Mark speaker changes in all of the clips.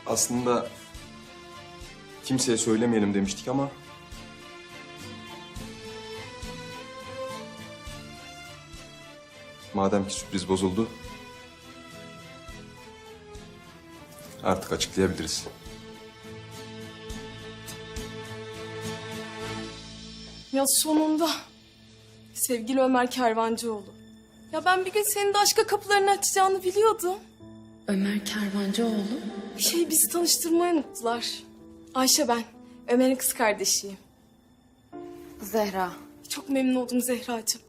Speaker 1: Aslında kimseye söylemeyelim demiştik ama... Madem ki sürpriz bozuldu... Artık açıklayabiliriz.
Speaker 2: Ya sonunda. Sevgili Ömer Kervancıoğlu. Ya ben bir gün senin de aşka kapılarını açacağını biliyordum.
Speaker 3: Ömer Kervancıoğlu.
Speaker 2: Bizi tanıştırmayı unuttular. Ayşe ben. Ömer'in kız kardeşiyim.
Speaker 3: Zehra.
Speaker 2: Çok memnun oldum Zehracığım.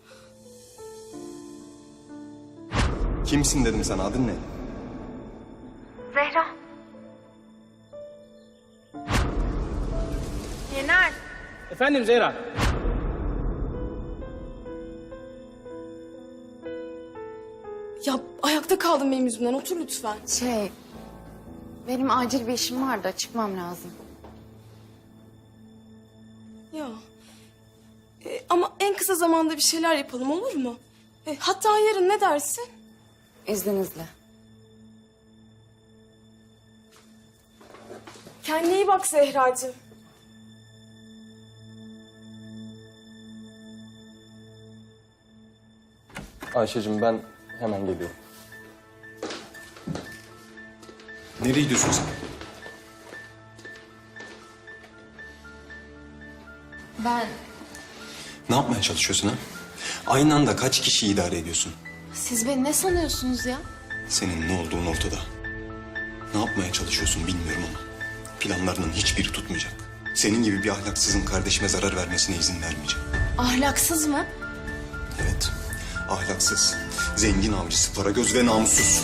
Speaker 1: Kimsin dedim sana, adın ne?
Speaker 3: Zehra. Yener.
Speaker 4: Efendim Zehra.
Speaker 2: Ya ayakta kaldım benim yüzümden. Otur lütfen.
Speaker 3: Benim acil bir işim var da çıkmam lazım.
Speaker 2: Ya. Ama en kısa zamanda bir şeyler yapalım, olur mu? Hatta yarın, ne dersin?
Speaker 3: İzninizle.
Speaker 2: Kendine iyi bak Zehracığım.
Speaker 1: Ayşe'cim ben hemen geliyorum. Nereye gidiyorsun sen?
Speaker 3: Ben...
Speaker 1: Ne yapmaya çalışıyorsun ha? Aynı anda kaç kişiyi idare ediyorsun?
Speaker 3: Siz beni ne sanıyorsunuz ya?
Speaker 1: Senin ne olduğun ortada. Ne yapmaya çalışıyorsun bilmiyorum ama... planlarının hiçbiri tutmayacak. Senin gibi bir ahlaksızın kardeşime zarar vermesine izin vermeyeceğim.
Speaker 3: Ahlaksız mı?
Speaker 1: Evet, ahlaksız, zengin avcısı, paragöz ve namussuz.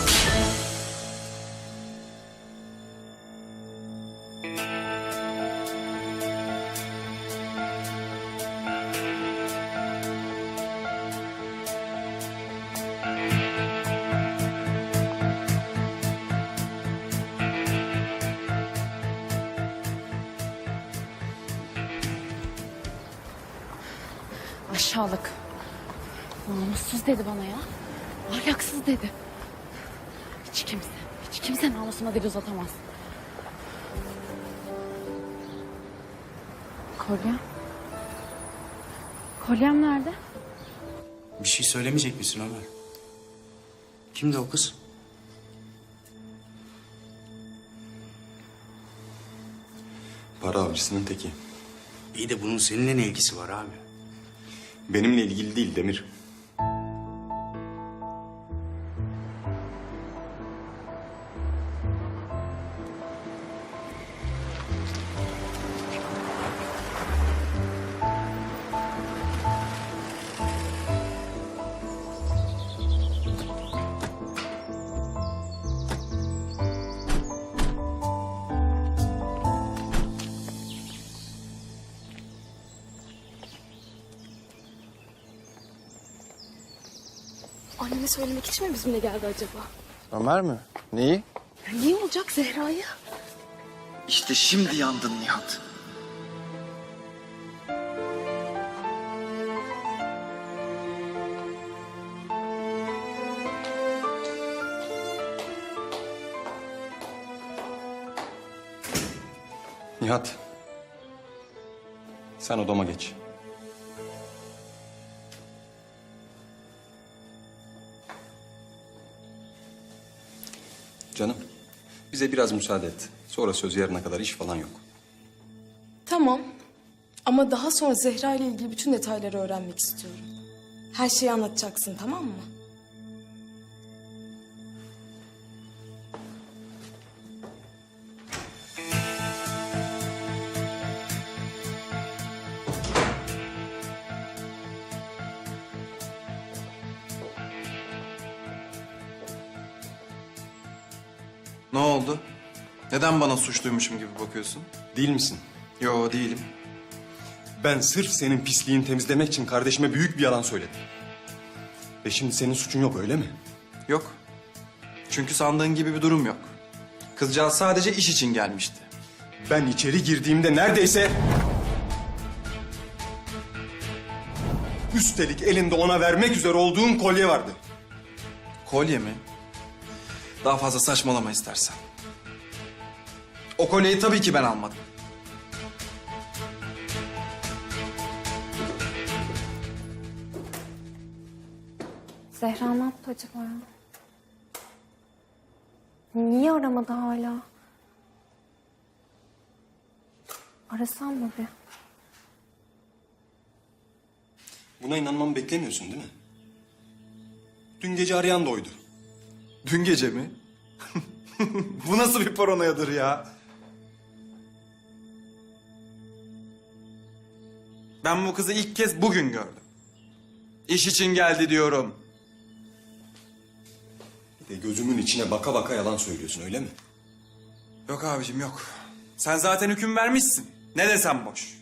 Speaker 3: Aşağılık. Namussuz dedi bana ya. Ahlaksız dedi. Hiç kimse namusuma dil uzatamaz. Kolyem? Kolyem nerede?
Speaker 5: Bir şey söylemeyecek misin Ömer? Kimdi o kız?
Speaker 1: Para avcısının teki.
Speaker 5: İyi de bunun seninle ne ilgisi var abi?
Speaker 1: Benimle ilgili değil Demir.
Speaker 2: Anneme söylemek için mi bizimle geldi acaba?
Speaker 6: Ömer mi? Neyi?
Speaker 2: Ya niye olacak Zehra'yı?
Speaker 6: İşte şimdi yandın Nihat.
Speaker 1: Nihat. Sen odama geç. Canım, bize biraz müsaade et. Sonra söz yarına kadar iş falan yok.
Speaker 2: Tamam. Ama daha sonra Zehra ile ilgili bütün detayları öğrenmek istiyorum. Her şeyi anlatacaksın, tamam mı?
Speaker 6: Ne oldu? Neden bana suçluymuşum gibi bakıyorsun?
Speaker 1: Değil misin?
Speaker 6: Yo, değilim.
Speaker 1: Ben sırf senin pisliğini temizlemek için kardeşime büyük bir yalan söyledim. Ve şimdi senin suçun yok, öyle mi?
Speaker 6: Yok. Çünkü sandığın gibi bir durum yok. Kızcağız sadece iş için gelmişti.
Speaker 1: Ben içeri girdiğimde neredeyse... Üstelik elinde ona vermek üzere olduğun kolye vardı.
Speaker 6: Kolye mi? Daha fazla saçmalama istersen. O kolyeyi tabii ki ben almadım.
Speaker 3: Zehra ne yaptı acaba ya? Niye aramadı hala? Arasam mı bir?
Speaker 1: Buna inanmamı beklemiyorsun değil mi? Dün gece arayan da oydu.
Speaker 6: Dün gece mi? Bu nasıl bir paranoyadır ya? Ben bu kızı ilk kez bugün gördüm. İş için geldi diyorum.
Speaker 1: Bir de gözümün içine baka baka yalan söylüyorsun öyle mi?
Speaker 6: Yok abicim yok. Sen zaten hüküm vermişsin. Ne desem boş.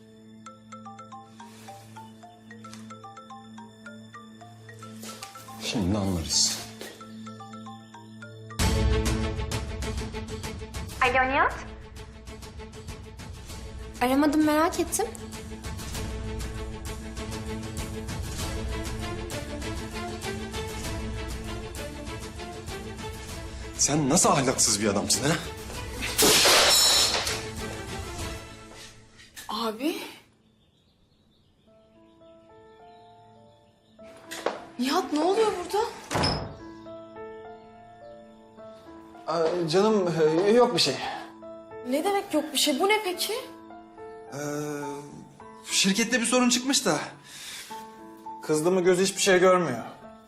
Speaker 1: Şimdi anlarız.
Speaker 3: Alo Nihat. Aramadım merak ettim.
Speaker 1: Sen nasıl ahlaksız bir adamsın ha?
Speaker 2: Abi. Nihat ne oluyor burada?
Speaker 6: Canım yok bir şey.
Speaker 2: Ne demek yok bir şey? Bu ne peki?
Speaker 6: Şirkette bir sorun çıkmış da. Kızdığımı gözü hiçbir şey görmüyor.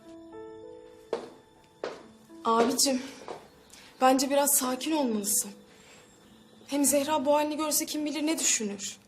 Speaker 2: Abicim, bence biraz sakin olmalısın. Hem Zehra bu halini görse kim bilir ne düşünür.